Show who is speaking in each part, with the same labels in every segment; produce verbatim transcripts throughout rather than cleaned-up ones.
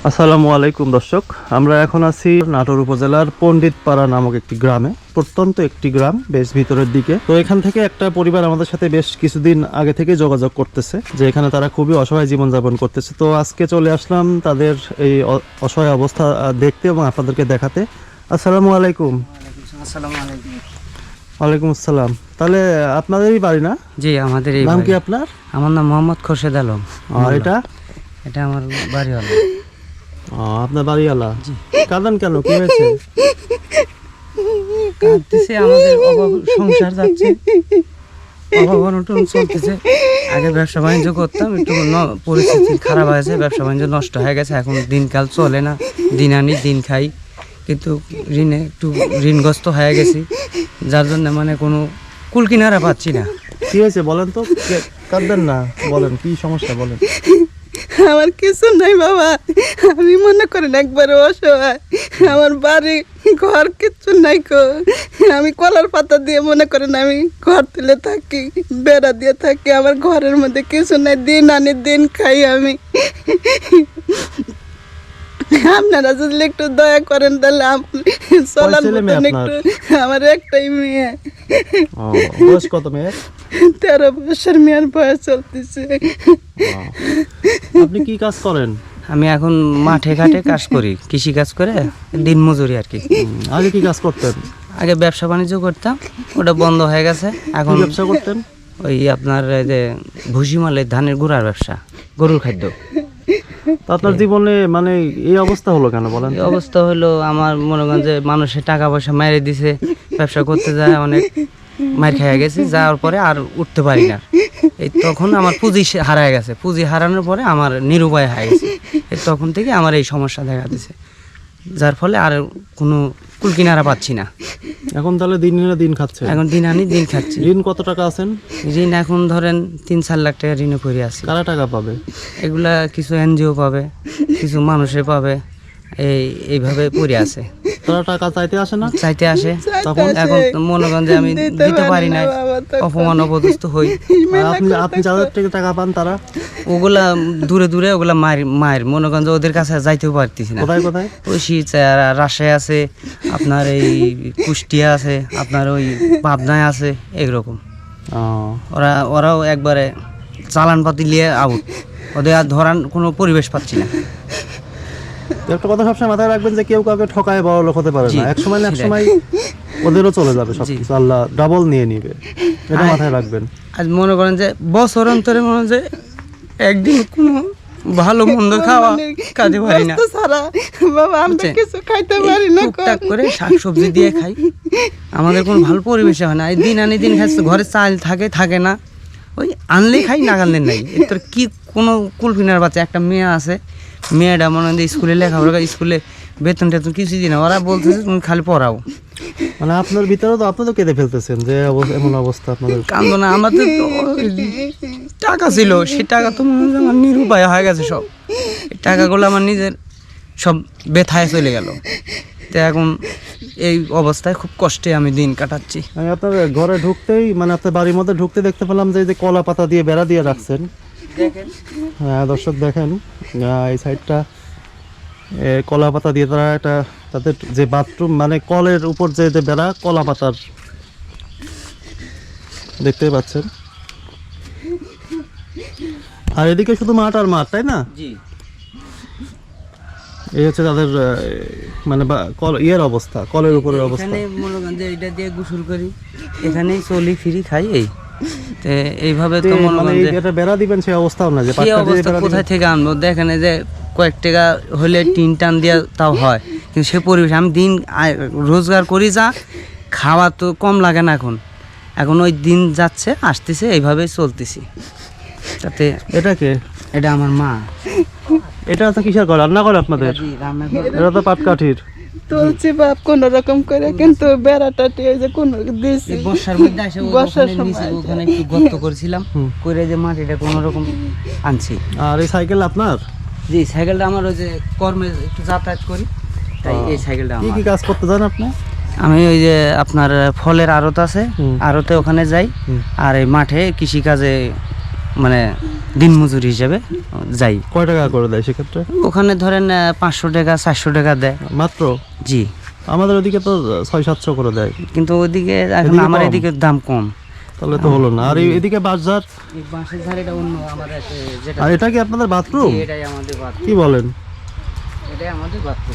Speaker 1: আসসালামু আলাইকুম দর্শক, আমরা এখন আছি নাটোর উপজেলার পণ্ডিতপাড়া নামক একটি গ্রামে। প্রত্যন্ত একটি গ্রাম, বেশ ভিতরের দিকে। তো এখান থেকে একটা পরিবার আমাদের সাথে বেশ কিছুদিন আগে থেকে যোগাযোগ করতেছে যে এখানে তারা খুবই অসহায় জীবনযাপন করতেছে। তো আজকে চলে আসলাম তাদের এই অসহায় অবস্থা দেখতে এবং আপনাদেরকে দেখাতে। আসসালামু আলাইকুম।
Speaker 2: আসসালামু আলাইকুম।
Speaker 1: ওয়ালাইকুম আসসালাম। তাহলে আপনাদেরই বাড়ি না?
Speaker 2: জি, আমাদের।
Speaker 1: নাম কি আপনার?
Speaker 2: আমার নাম মোহাম্মদ খোরশেদ আলম।
Speaker 1: আর এটা?
Speaker 2: এটা আমার বাড়িওয়ালা।
Speaker 1: আপনার বাড়িওয়ালা? কাঁদেন কেন, কি হয়েছে?
Speaker 2: কাঁদতেছে, আমাদের অভাব সংসার যাচ্ছে, অভাব অনটন চলতেছে। আগে ব্যবসা বাণিজ্য করতাম, একটু পরিস্থিতি খারাপ হয়েছে, ব্যবসা বাণিজ্য নষ্ট হয়ে গেছে। এখন দিনকাল চলে না, দিন আনি দিন খাই, কিন্তু ঋণে একটু ঋণগ্রস্ত হয়ে গেছি, যার জন্য মানে কোনো কুল কিনারা পাচ্ছি না।
Speaker 1: কি হয়েছে বলেন তো, কাঁদবেন না, বলেন কি সমস্যা বলেন।
Speaker 3: আমার কিছু নাই বাবা, আমি মনে করেন একবারে অসহায়। আমার বাড়ি ঘর কিচ্ছু নাই কো। আমি কলার পাতা দিয়ে মনে করেন আমি ঘর তুলে থাকি, বেড়া দিয়ে থাকি। আমার ঘরের মধ্যে কিছু নাই, দিন আনি দিন খাই আমি। আপনারা যদি একটু দয়া করেন তাহলে চলার মতন একটু। আমার একটাই মেয়ে।
Speaker 1: বয়স কত মেয়ের?
Speaker 3: তেরো বছর মেয়ের বয়স চলতেছে।
Speaker 1: আপনি কি কাজ করেন?
Speaker 2: আমি এখন মাঠে ঘাটে কাজ করি, কৃষি কাজ করে দিন মজুরি আর কি।
Speaker 1: আগে কি কাজ করতেন?
Speaker 2: আগে ব্যবসা বাণিজ্য করতাম, ওটা বন্ধ হয়ে গেছে। এখন
Speaker 1: ব্যবসা করতেন?
Speaker 2: ওই আপনার এই যে ভুসি মালের ধানের গুঁড়ার ব্যবসা, গরুর খাদ্য।
Speaker 1: আপনার জীবনে মানে এই অবস্থা হলো কেন বলেন?
Speaker 2: এই অবস্থা হলো, আমার মনে করেন যে মানুষের টাকা পয়সা মেরে দিছে, ব্যবসা করতে যায় অনেক মার খেয়ে গেছি, যাওয়ার পরে আর উঠতে পারি না। এই তখন আমার পুঁজি হারায় গেছে, পুঁজি হারানোর পরে আমার নিরুপায় হয়ে গেছে। এই তখন থেকে আমার এই সমস্যা দেখা দিছে, যার ফলে আর কোনো কুল কিনারা পাচ্ছি না।
Speaker 1: এখন তাহলে দিন আনি দিন খাচ্ছে?
Speaker 2: এখন দিন আনি দিন খাচ্ছি।
Speaker 1: ঋণ কত টাকা আছেন?
Speaker 2: ঋণ এখন ধরেন তিন চার লাখ টাকা ঋণে পড়ে আছি।
Speaker 1: কারা টাকা পাবে?
Speaker 2: এগুলা কিছু এনজিও পাবে, কিছু মানুষে পাবে, এই এইভাবে পড়ে আছে।
Speaker 1: তারা টাকা চাইতে আসে না?
Speaker 2: চাইতে আসে, তখন এখন মনে করেন যে আমি দিতে পারি না, অপমান অপদস্থ হই।
Speaker 1: আপনি আপনি যাদের থেকে টাকা পান তারা?
Speaker 2: ওগুলা দূরে দূরে, ওগুলা মায়ের মায়ের মনে করেন যে ওদের কাছে যাইতেও পারতেছি না।
Speaker 1: কোথায় কোথায়?
Speaker 2: ওই রাজশাহী আছে, আপনার এই কুষ্টিয়া আছে, আপনার ওই পাবনায় আছে, এইরকম। ওরা ওরাও একবারে চালান পাতি নিয়ে আউট, ওদের আর ধরান কোনো পরিবেশ পাচ্ছি না।
Speaker 1: একটা কথা সবসময় মাথায় রাখবেন যে কেউ কাউকে ঠকায় বড় লোক হতে পারে না। এক সময় না এক সময় ওদেরও চলে যাবে সবকিছু, আল্লাহ ডাবল নিয়ে নিবে, এটা মাথায় রাখবেন।
Speaker 2: আজ মনে করেন যে বছর অন্তরে মনে হয় যে একদিন কোনো ভালো মন্দ খাওয়া কাজে পারি না,
Speaker 3: বাবা আমরা কিছু খাইতে পারি না,
Speaker 2: টুকটাক করে শাকসবজি দিয়ে খাই, আমাদের কোনো ভালো পরিবেশে হয় না। এই দিন আনি দিন খাচ্ছে, ঘরে চাল থাকে থাকে না, ওই আনলেই খাই, না আনলে নাই। এর কি কোনো কুলফিনার বাচ্চা একটা মেয়ে আছে, মেয়েটা মনে হয় স্কুলে লেখাপড়া, স্কুলে বেতন টেতন কিছু দিই না, ওরা বলতেছে তুমি খালি পড়াও।
Speaker 1: মানে আপনার ভিতরে তো আপনি তো কেঁদে ফেলতেছেন যে এমন অবস্থা আপনাদের।
Speaker 2: কান্দো না, আমাদের তো টাকা ছিল, সেই টাকা তো আমার নিরুপায় হয়ে গেছে সব। এই টাকাগুলো আমার নিজের সব ব্যথায় চলে গেল। তো এখন এই অবস্থায় খুব কষ্টে আমি দিন কাটাচ্ছি।
Speaker 1: আমি আপনার ঘরে ঢুকতেই মানে আপনার বাড়ির মধ্যে ঢুকতে দেখতে পেলাম যে যে কলা পাতা দিয়ে বেড়া দিয়ে রাখছেন। হ্যাঁ দর্শক দেখেন, এই সাইডটা কলা পাতা দিয়ে তারা একটা তাদের যে বাথরুম মানে কলের উপর যে যে বেড়া, কলা পাতার দেখতে পাচ্ছেন। আর এদিকে শুধু মাঠ আর মাঠ, তাই না?
Speaker 2: জি,
Speaker 1: এই হচ্ছে তাদের মানে কল ইয়ের অবস্থা, কলের উপরের অবস্থা।
Speaker 2: এখানে মনে করেন যে এটা দিয়ে গোসল করি, এখানেই চলি ফিরি খাই, এই তো এইভাবে তো মনে করেন যে এটা
Speaker 1: বেড়া দিবেন সেই অবস্থাও না, যে
Speaker 2: এই অবস্থা কোথায় থেকে আনবো? দেখেন যে কয়েক টাকা হলে টিন টান দিয়ে তাও হয়, কিন্তু সে পরিবেশ আমি দিন রোজগার করি, যা খাওয়া তো কম লাগে না এখন। এখন ওই দিন যাচ্ছে আসতেছে, এইভাবে চলতেছি। তাতে
Speaker 1: এটা কে?
Speaker 2: এটা আমার মা।
Speaker 1: এটা তো কিসের ঘর? রান্না করে আপনাদের? এটা তো পাটকাঠির।
Speaker 3: তুলছি বাপ কোন রকম করে, কিন্তু বেড়াটা টিয়ে যে কোন দিছি
Speaker 2: বর্ষার মধ্যে আসে, বর্ষার সময় ওখানে একটু গর্ত করেছিলাম, করে যে মাটিটা কোন রকম আনছি।
Speaker 1: আর এই সাইকেল আপনার?
Speaker 2: জি, সাইকেলটা আমার ওই যে কর্মে একটু যাতায়াত করি, তাই এই সাইকেলটা আমার।
Speaker 1: কি কি কাজ করতে যান আপনি?
Speaker 2: আমি ওই যে আপনার ফলের আড়ত আছে, আড়তে ওখানে যাই, আর এই মাঠে কৃষি কাজে মানে দিনমজুর হিসেবে যাই।
Speaker 1: কয় টাকা করে দেয় সেক্ষেত্রে?
Speaker 2: ওখানে ধরেন আহ, পাঁচশো টাকা চারশো টাকা দেয়
Speaker 1: মাত্র?
Speaker 2: জি।
Speaker 1: আমাদের ওদিকে তো ছয় সাতশো করে দেয়।
Speaker 2: কিন্তু ওইদিকে এখন
Speaker 1: এদিকে
Speaker 2: আমার
Speaker 1: কম?
Speaker 2: এদিকে দাম কম।
Speaker 1: তাহলে তো হলো না। আর এই- এদিকে বাজার,
Speaker 2: এই বাঁশের ধারেটা অন্য আমাদের এ, যেটা
Speaker 1: আর এটা কি আপনাদের বাথরুম?
Speaker 2: জি, এটাই আমাদের বাথরুম।
Speaker 1: কি বলেন?
Speaker 2: এটাই আমাদের বাথরুম।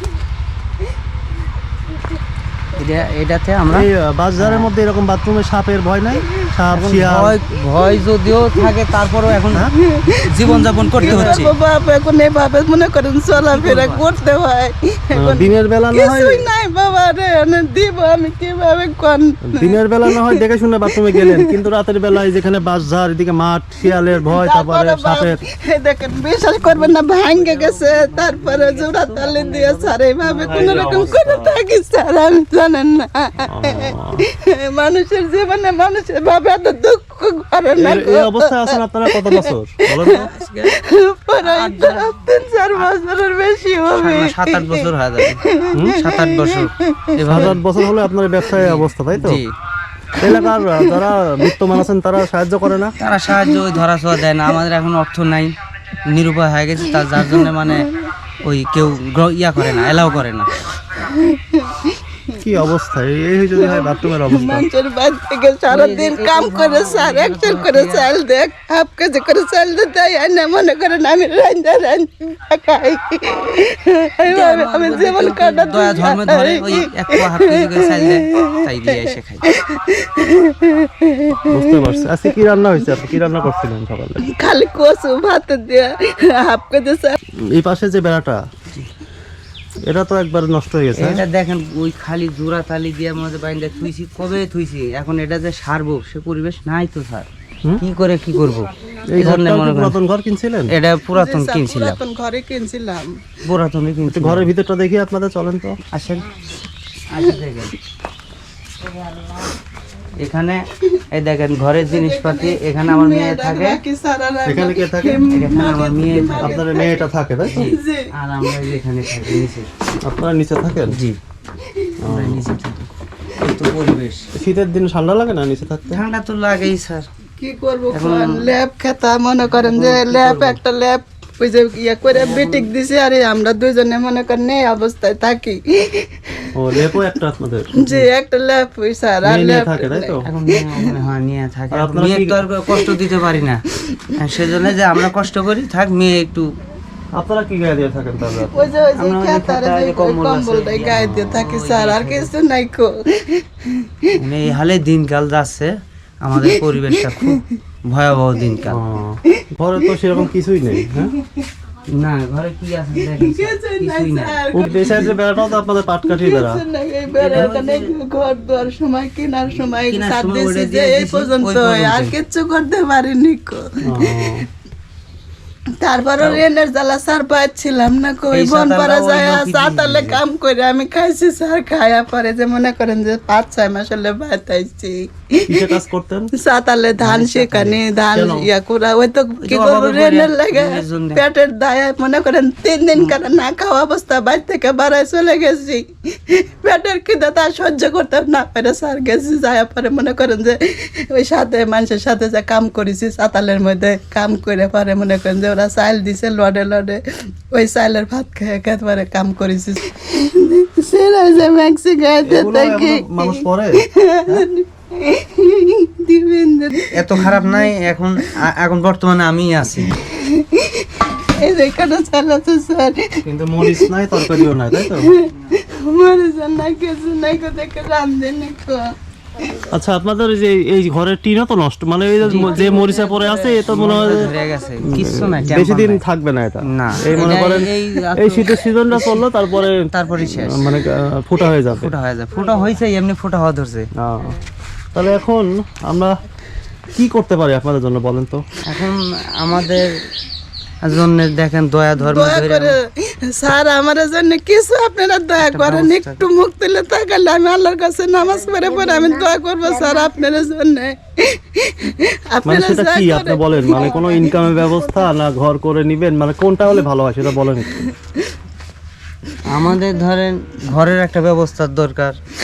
Speaker 2: এটা এটাতে আমরা
Speaker 1: এই আহ, বাজারের মধ্যে এরকম বাথরুমে সাপের ভয় নাই? সাপ,
Speaker 2: এখন
Speaker 1: শিয়াল?
Speaker 2: ভয় ভয় যদিও থাকে তারপরেও এখন জীবন যাপন করতে হচ্ছে।
Speaker 3: বাপ এখন এভাবে মনে করেন চলাফেরা করতে হয়। এখন
Speaker 1: দিনের বেলা না হয়,
Speaker 3: কিছুই নাই বাবা রে, এনে দিব আমি কিভাবে কোন?
Speaker 1: দিনের বেলা না হয় দেখে শুনে বাথরুমে গেলেন, কিন্তু রাতের বেলায় যেখানে বাজার, এদিকে মাঠ, শিয়ালের ভয়, তারপরে
Speaker 3: তারপরে বাপ,
Speaker 1: সাপের।
Speaker 3: এই দেখেন বিশ্বাস করবেন না, ভাঙ্গে গেছে, তারপরে জোড়া তালে দিয়ে স্যার এইভাবে কোন রকম করে থাকি স্যার, আমি জানেন না। মানুষের জীবনে মানুষের ভাবে এত দুঃখ করে না
Speaker 1: এই- এই অবস্থায় আছেন আপনারা কত বছর বলেন তো?
Speaker 3: প্রায় তিন চার বছরের বেশি হবে।
Speaker 2: সাত আট বছর হয়ে যাবে। সাত আট বছর
Speaker 1: সাত
Speaker 2: এভাবে।
Speaker 1: আট বছর হলে আপনার ব্যবসায় এই অবস্থা, তাই তো?
Speaker 2: জি।
Speaker 1: এলাকার আহ, যারা বিত্তমান আছেন তারা সাহায্য করে না?
Speaker 2: তারা সাহায্য ওই ধরা ছোঁয়া দেয় না। আমাদের এখন অর্থ নাই, নিরুপায় হয়ে গেছে, তার যার জন্য মানে ওই কেউ গ্র- ইয়া করে না, এলাও করে না।
Speaker 1: কি অবস্থা! এই এই যদি হয় বাথরুমের অবস্থা।
Speaker 3: মানুষের বাড়ি থেকে সারাদিন কাম করে স্যার, একশো করে চাল দেখ, হাফ কেজি করে চাল দিতে হয় না, মনে করেন আমি রান্না রান্না খাই, এইভাবে আমি জীবন কাটাতে
Speaker 2: দয়া ধর্মে ধরে
Speaker 3: চাই।
Speaker 2: ওই এক পোয়া হাফ কেজি করে চাল দেয়, তাই দিয়ে এসে খাই।
Speaker 1: বুঝতে পারছি। আজকে কি রান্না হয়েছে? আপনি কি রান্না করছিলেন সকালে?
Speaker 3: খালি কচু ভাত দিয়ে হাফ কেজি চাল।
Speaker 1: এই পাশে যে বেড়াটা, এটা তো একবার নষ্ট হয়ে গেছে।
Speaker 2: এটা দেখেন ওই খালি জোড়া তালি দিয়ে আমাদের বাইন্দা থুইছি, কবে থুইছি, এখন এটা যে সারবো সে পরিবেশ নাই তো স্যার,
Speaker 1: হুম?
Speaker 2: কি করে কি করবো?
Speaker 1: এই
Speaker 2: এই জন্য
Speaker 1: ঘরটা
Speaker 2: মনে
Speaker 1: কি
Speaker 2: করেন
Speaker 1: পুরাতন ঘর কিনছিলেন?
Speaker 2: এটা পুরাতন
Speaker 3: স্যার,
Speaker 2: কিনছিলাম,
Speaker 3: পুরাতন ঘরে কিনছিলাম।
Speaker 2: পুরাতনই
Speaker 1: একটু
Speaker 2: কিনছিলাম।
Speaker 1: ঘরের ভিতরটা দেখি আপনাদের, চলেন তো।
Speaker 2: আসেন, আসেন দেখেন। এখানে এই দেখেন ঘরের জিনিসপাতি, এখানে আমার মেয়ে থাকে,
Speaker 3: বাকি স্যার আর আমি-
Speaker 1: এখানে কে থাকে?
Speaker 2: এখানে আমার মেয়ে থাকে,
Speaker 1: আপনার মেয়েটা থাকে, তাই তো?
Speaker 3: জি।
Speaker 2: আর আমরা এই যে এখানে থাকি নিচে।
Speaker 1: আপনারা নিচে থাকেন?
Speaker 2: জি, আমরা নিচে থাকি। এই তো পরিবেশ।
Speaker 1: শীতের দিন ঠান্ডা লাগে না নিচে থাকতে?
Speaker 2: ঠান্ডা তো লাগেই স্যার।
Speaker 3: কি করবো
Speaker 2: এখন-
Speaker 3: ল্যাব খেতা, মনে করেন যে ল্যাব একটা ল্যাব ওই যে ইয়ে করে বিটিক দিছে, আরে আমরা দুইজনে মনে করেন এই অবস্থায় থাকি।
Speaker 1: ও, লেপও একটা আপনাদের?
Speaker 3: যে একটা ল্যাব ওই স্যার, আর
Speaker 1: মেয়ে নিয়ে
Speaker 3: ল্যাব
Speaker 1: থাকে, তাই তো?
Speaker 2: এখন মেয়ে ওখানে হ্যাঁ নিয়ে থাকে।
Speaker 1: আর
Speaker 2: এখন
Speaker 1: আপনারা
Speaker 2: মেয়ে
Speaker 1: কি-
Speaker 2: তো আর কষ্ট দিতে পারি না, হ্যাঁ, সেজন্য যে আমরা কষ্ট করি, থাক মেয়ে একটু।
Speaker 1: আপনারা কি গায়ে দিয়ে থাকেন তাহলে?
Speaker 3: ওই যে ওই যে
Speaker 2: আমরা ওই যে
Speaker 3: খেতার
Speaker 2: খেতা,
Speaker 3: যে
Speaker 2: যে কম্বল আছে,
Speaker 3: কম্বলটাই গায়ে দিয়ে থাকি স্যার, আর কিছু নাই কো।
Speaker 2: মানে এই হালে দিনকাল যাচ্ছে, আমাদের পরিবেশটা খুব ভয়াবহ দিনকাল।
Speaker 1: ও, ঘরে তো সেরকম কিছুই নেই, হ্যাঁ?
Speaker 2: না ঘরে কি আছে দেখেন স্যার,
Speaker 3: কিছুই নাই
Speaker 2: কিছুই না।
Speaker 3: স্যার,
Speaker 1: ও, এই সাইডের বেড়াটাও তো আপনাদের পাটকাঠি বেড়া।
Speaker 3: কিছু নাই। এই বেড়াখানে ঘর দুয়ার সময় কেনার সময়
Speaker 2: কেনার
Speaker 3: সার
Speaker 2: সময়
Speaker 3: দিয়েছি
Speaker 2: ওটা
Speaker 3: যে
Speaker 2: দিয়ে
Speaker 3: এই
Speaker 2: দিছি,
Speaker 3: পর্যন্ত,
Speaker 2: ওই পর্যন্ত।
Speaker 3: আর কিচ্ছু করতে পারিনি কো।
Speaker 1: ও,
Speaker 3: তারপরে রেনের জ্বালা সার পাচ্ছিলাম না কই,
Speaker 2: এই
Speaker 3: বন পাড়া
Speaker 2: সাঁতারটা ওই
Speaker 3: যায়
Speaker 2: লোকই
Speaker 3: সাতালে
Speaker 2: দিয়ে
Speaker 3: কাম করে আমি খাইছি স্যার, খায়া পরে যে মনে করেন যে পাঁচ ছয় মাস হলে বাতাইছি
Speaker 1: কিসে কাজ করতেন?
Speaker 3: সাতালে ধান শেখানি, ধান
Speaker 1: কেন?
Speaker 3: ইয়া করা, ওই তো কি
Speaker 2: তো
Speaker 3: করবো
Speaker 2: অভাবে
Speaker 3: রেনের
Speaker 2: পড়ে,
Speaker 3: লাগে
Speaker 2: রেনের জন্যে।
Speaker 3: পেটের দায়ে মনে করেন তিন দিন কারণ না খাওয়া অবস্থা, বাইর থেকে বাড়ায় চলে গেছি, পেটের খিদে তা সহ্য করতে না পারে স্যার গেছি, যায় পরে মনে করেন যে ওই সাথে মানুষের সাথে যে কাম করেছি সাতালের মধ্যে কাম করে পরে মনে করেন যে ওরা চাইল দিছে লড়ে লড়ে, ওই চাইলের ভাত খেয়ে খেতে পরে কাম করেছি। সেরা যে ম্যাক্সি গাইতে
Speaker 1: এগুলো
Speaker 3: থাকি
Speaker 1: এখনো মানুষ পরে?
Speaker 3: দিবেন যে
Speaker 2: এত খারাপ নাই এখন, আ- এখন বর্তমানে আমি আছি।
Speaker 3: এই যে এখানে চালাচ্ছে স্যার,
Speaker 1: কিন্তু মরিচ নাই, তরকারিও নাই, তাই তো?
Speaker 3: মরে যান না কিছু নাই কো, দেখে রান্ধেনি কো।
Speaker 1: আচ্ছা, আপনাদের এই যে এই ঘরের টিনও তো নষ্ট, মানে এই যে যে মরিচা পরে আছে এ তো মনে হয় যে
Speaker 2: ধরে গেছে, কিচ্ছু নাই,
Speaker 1: বেশি
Speaker 2: টেম্পার
Speaker 1: দিন
Speaker 2: নাই।
Speaker 1: থাকবে না এটা।
Speaker 2: না,
Speaker 1: এই মনে
Speaker 2: এটা-
Speaker 1: করেন
Speaker 2: এই
Speaker 1: এই শীতের সিজনটা চললো, তারপরে
Speaker 2: তারপরই শেষ,
Speaker 1: মানে আহ, ফুটা হয়ে যাবে।
Speaker 2: ফোটা হয়ে যায়, ফোটা হয়েছে এমনি ফোটা হওয়া ধরছে।
Speaker 1: আহ, তাহলে এখন আমরা কি করতে পারি আপনাদের জন্য বলেন তো?
Speaker 2: এখন আমাদের জন্য দেখেন দয়া ধর্ম
Speaker 3: দয়া
Speaker 2: ধরে
Speaker 3: করে স্যার আমার জন্য কিছু আপনারা দয়া করেন,
Speaker 2: ব্যবস্থা
Speaker 3: একটু মুখ তুলে তাকালে আমি আল্লাহর কাছে নামাজ পড়ে পরে আমি দোয়া করবো স্যার আপনার জন্য।
Speaker 1: মানে
Speaker 3: আপনারা
Speaker 1: সেটা
Speaker 3: যা
Speaker 1: কি
Speaker 3: করেন।
Speaker 1: আপনি বলেন, মানে কোনো ইনকামের ব্যবস্থা না ঘর করে নিবেন, মানে কোনটা হলে ভালো হয় সেটা বলেন একটু।
Speaker 2: আমাদের ধরেন ঘরের একটা ব্যবস্থার দরকার,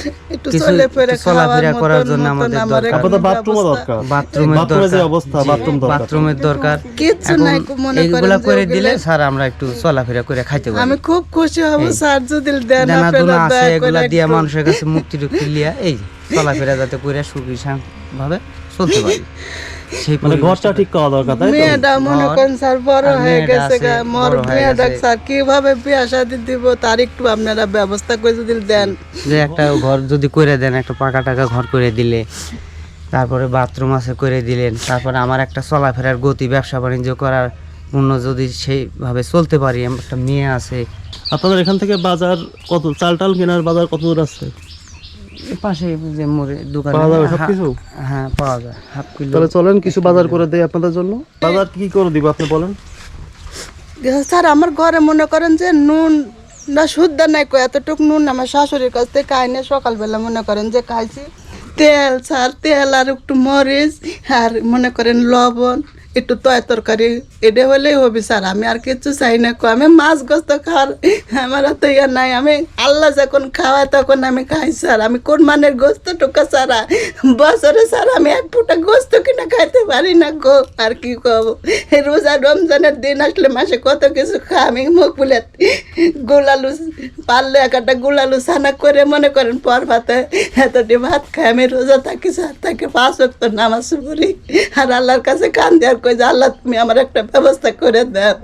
Speaker 3: একটু
Speaker 2: কিছু
Speaker 3: চলে ফিরে
Speaker 2: একটু চলাফেরা
Speaker 3: খাওয়ার
Speaker 2: করার
Speaker 3: মতন
Speaker 2: জন্য
Speaker 3: মতন
Speaker 2: আমাদের
Speaker 3: আমার
Speaker 2: দরকার।
Speaker 3: এখন
Speaker 1: আপনাদের বাথরুমও
Speaker 3: ব্যবস্থা।
Speaker 1: দরকার
Speaker 2: বাথরুমের
Speaker 1: বাথরুমের যে
Speaker 2: দরকার
Speaker 1: অবস্থা
Speaker 2: জি,
Speaker 1: বাথরুম দরকার
Speaker 2: বাথরুমের দরকার
Speaker 3: কিচ্ছু
Speaker 2: এখন
Speaker 3: নাই, মনে করেন
Speaker 2: এইগুলা
Speaker 3: যে
Speaker 2: করে
Speaker 3: ওগুলা-
Speaker 2: দিলে স্যার আমরা একটু চলাফেরা করে খাইতে পারি।
Speaker 3: আমি খুব খুশি হব
Speaker 2: এই।
Speaker 3: স্যার যদি দেন
Speaker 2: দানা
Speaker 3: আপনারা
Speaker 2: দুনা আছে
Speaker 3: দয়া করে
Speaker 2: এগুলা দিয়া
Speaker 3: একটু।
Speaker 2: মানুষের কাছে মুক্তি টুক্তি লিয়া এই চলাফেরা যাতে করে সুখী ভাবে চলতে পারি সেই
Speaker 1: মানে ঘরটা
Speaker 2: পরিবেশটা-
Speaker 1: ঠিক করা দরকার তাই তো
Speaker 3: মেয়েটা মনে
Speaker 2: ঘর,
Speaker 3: করেন স্যার বড়
Speaker 2: আর
Speaker 3: হয়ে
Speaker 2: মেয়েটা
Speaker 3: গেছে
Speaker 2: আছে,
Speaker 3: গা, মোর
Speaker 2: বড় হয়ে
Speaker 3: মেয়েটা
Speaker 2: গেছে।
Speaker 3: স্যার কিভাবে বিয়া শাদি দিব তার একটু আপনারা ব্যবস্থা করে যদি দেন।
Speaker 2: যে একটা ঘর যদি করে দেন একটা পাকা টাকা ঘর করে দিলে তারপরে বাথরুম আছে করে দিলেন তারপরে আমার একটা চলাফেরার গতি ব্যবসা বাণিজ্য করার অন্য যদি সেইভাবে চলতে পারি আমার একটা মেয়ে আছে
Speaker 1: আপনাদের এখান থেকে বাজার কত চাল টাল কেনার বাজার কত দূর আছে
Speaker 2: এ পাশে যে মোড়ে দোকানে
Speaker 1: পাওয়া যাবে
Speaker 2: হা-
Speaker 1: সবকিছু?
Speaker 2: হ্যাঁ পাওয়া যায় হাফ কিলো
Speaker 1: তাহলে চলেন কিছু বাজার করে দেই আপনাদের জন্য বাজার কি করে দিব আপনি বলেন
Speaker 3: স্যার আমার ঘরে মনে করেন যে নুন না শুদ্ধ নাই কো এতটুক নুন আমার শাশুড়ির কাছ থেকে খাই না সকালবেলা মনে করেন যে খাইছি তেল স্যার তেল আর একটু মরিচ আর মনে করেন লবণ একটু তয় তরকারি এটা হলেই হবে স্যার আমি আর কিছু চাই না কো আমি মাছ গোস্ত খাওয়ার আমার তো ইয়ে নাই আমি আল্লাহ যখন খাওয়াই তখন আমি খাই স্যার আমি কোন মানের গোস্ত টুকা ছাড়া বছরে স্যার আমি এক ফুটা গোস্ত কিনা খাইতে পারি না গো আর কি কব এই রোজা রমজানের দিন আসলে মাসে কত কিছু খা আমি মুখ ফুলে গোলালু পারলে একটা গোলালু ছানা করে মনে করেন পর ভাতে এতটি ভাত খাই আমি রোজা থাকি স্যার তাকে পাঁচ ওয়াক্ত নামাজ পড়ি আর আল্লাহর কাছে কান দেওয়ার কই যে আল্লাহ তুমি আমার একটা ব্যবস্থা করে দাও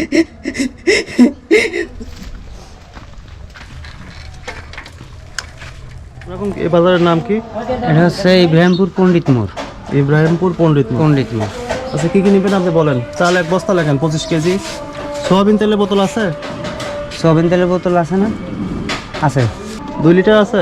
Speaker 1: এরকম এই বাজারের নাম কি
Speaker 2: এটা হচ্ছে ইব্রাহিমপুর পণ্ডিত মোড়
Speaker 1: ইব্রাহিমপুর পণ্ডিত মোড়।
Speaker 2: পণ্ডিত মোড়
Speaker 1: আচ্ছা কি কি নেবেন আপনি বলেন চাল এক বস্তা লেখেন পঁচিশ কেজি সোয়াবিন তেলের বোতল আছে
Speaker 2: সয়াবিন তেলের বোতল আছে না আছে
Speaker 1: দুই লিটার আছে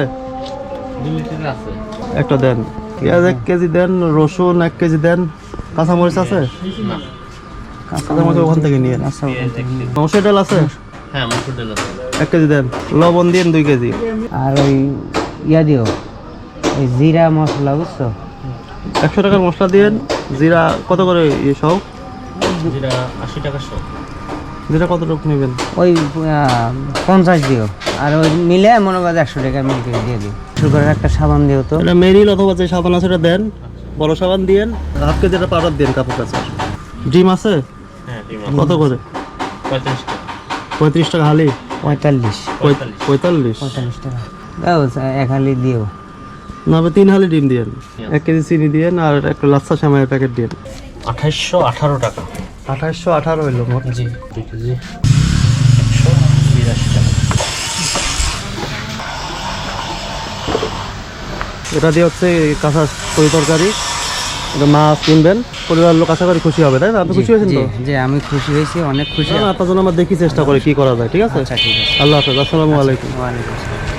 Speaker 1: একটা দেন পেঁয়াজ এক কেজি দেন রসুন এক কেজি দেন কাঁচামরিচ আছে কাঁচামরিচ ওখান থেকে নিয়ে
Speaker 2: আচ্ছা ওখান থেকে নিন।
Speaker 1: মসুর ডাল আছে এক কেজি দেন লবণ দিন দুই কেজি
Speaker 2: আর ওই ইয়া দিও ওই জিরা মশলা বুঝছো
Speaker 1: একশো টাকার মশলা দিন জিরা কত করে ইয়ে সহ জিরা কত টুকু নেবেন
Speaker 2: ওই আহ, পঞ্চাশ দিও আর ওই মিলে মনে করো একশো টাকা মিল করে দিয়ে দিও সুগারের একটা সাবান দিও তো
Speaker 1: এটা মেরিল অথবা যে সাবান আছে এটা দেন বড় সাবান দিয়েন হাফ কেজি এটা পাউডার দিন কাপড় কাছে ডিম আছে কত করে পঁয়ত্রিশ টাকা হালি
Speaker 2: পঁয়তাল্লিশ
Speaker 1: পঁয়- পঁয়তাল্লিশ
Speaker 2: পঁয়তাল্লিশ টাকা দাও এক হালি দিও
Speaker 1: না হবে তিন হালি ডিম দিয়েন এক কেজি চিনি দিয়েন আর একটা লাচ্ছা সামাইয়ের প্যাকেট দিয়েন
Speaker 4: আঠাইশশো আঠারো টাকা
Speaker 1: আঠাশশো আঠারো হইলো মোট
Speaker 4: জি দুই কেজি একশো বিরাশি টাকা
Speaker 1: এটা দিয়ে হচ্ছে কাঁচা তরি তরকারি এটা মাছ কিনবেন পরিবারের লোক আশা করি খুশি হবে তাই না আপনি খুশি হয়েছেন
Speaker 2: জি
Speaker 1: তো
Speaker 2: জি আমি খুশি হয়েছি অনেক খুশি
Speaker 1: না, না, আপনার জন্য আমরা দেখি চেষ্টা করি কি করা যায় ঠিক আছে
Speaker 2: আচ্ছা ঠিক আছে
Speaker 1: আল্লাহ হাফেজ আসসালামু আলাইকুম
Speaker 2: ওয়ালাইকুম আসসালাম